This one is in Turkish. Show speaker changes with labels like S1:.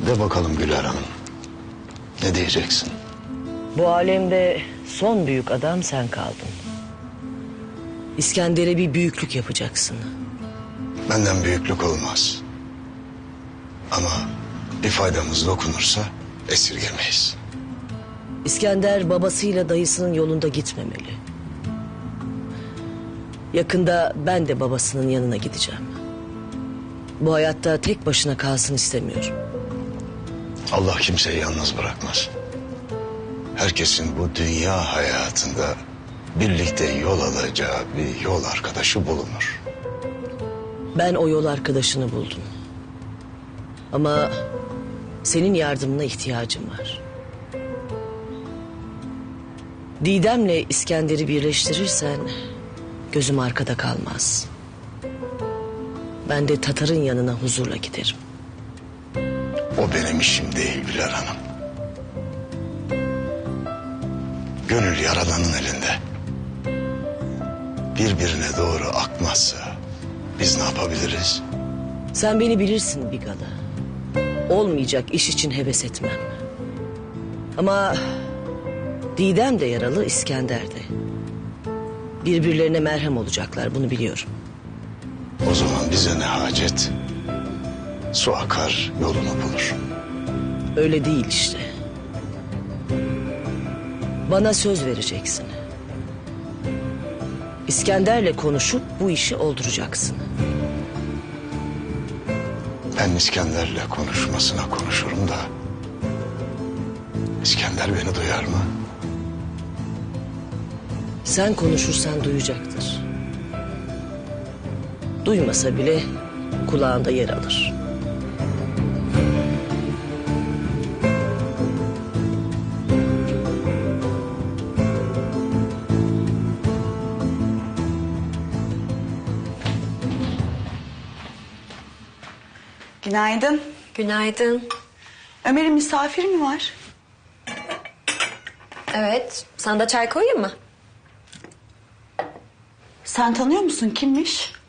S1: De bakalım Güler Hanım. Ne diyeceksin?
S2: Bu alemde son büyük adam sen kaldın. İskender'e bir büyüklük yapacaksın.
S1: Benden büyüklük olmaz. Ama bir faydamız dokunursa esirgemeyiz.
S2: İskender babasıyla dayısının yolunda gitmemeli. Yakında ben de babasının yanına gideceğim. Bu hayatta tek başına kalsın istemiyorum.
S1: Allah kimseyi yalnız bırakmaz. Herkesin bu dünya hayatında birlikte yol alacağı bir yol arkadaşı bulunur.
S2: Ben o yol arkadaşını buldum. Ama senin yardımına ihtiyacım var. Didem'le İskender'i birleştirirsen gözüm arkada kalmaz. Ben de Tatar'ın yanına huzurla giderim.
S1: O benim işim değil Güler Hanım. Gönül Yaradan'ın elinde. Birbirine doğru akmazsa biz ne yapabiliriz?
S2: Sen beni bilirsin Bigalı. Olmayacak iş için heves etmem. Ama Didem de yaralı, İskender de. Birbirlerine merhem olacaklar, bunu biliyorum.
S1: O zaman bize ne hacet? Su akar yolunu bulur.
S2: Öyle değil işte. Bana söz vereceksin. İskender'le konuşup bu işi olduracaksın.
S1: Ben İskender'le konuşmasına konuşurum da... İskender beni duyar mı?
S2: Sen konuşursan duyacaktır. Duymasa bile kulağında yer alır.
S3: Günaydın.
S4: Günaydın.
S3: Ömer'in misafiri mi var?
S4: Evet, sana da çay koyayım mı?
S3: Sen tanıyor musun? Kimmiş?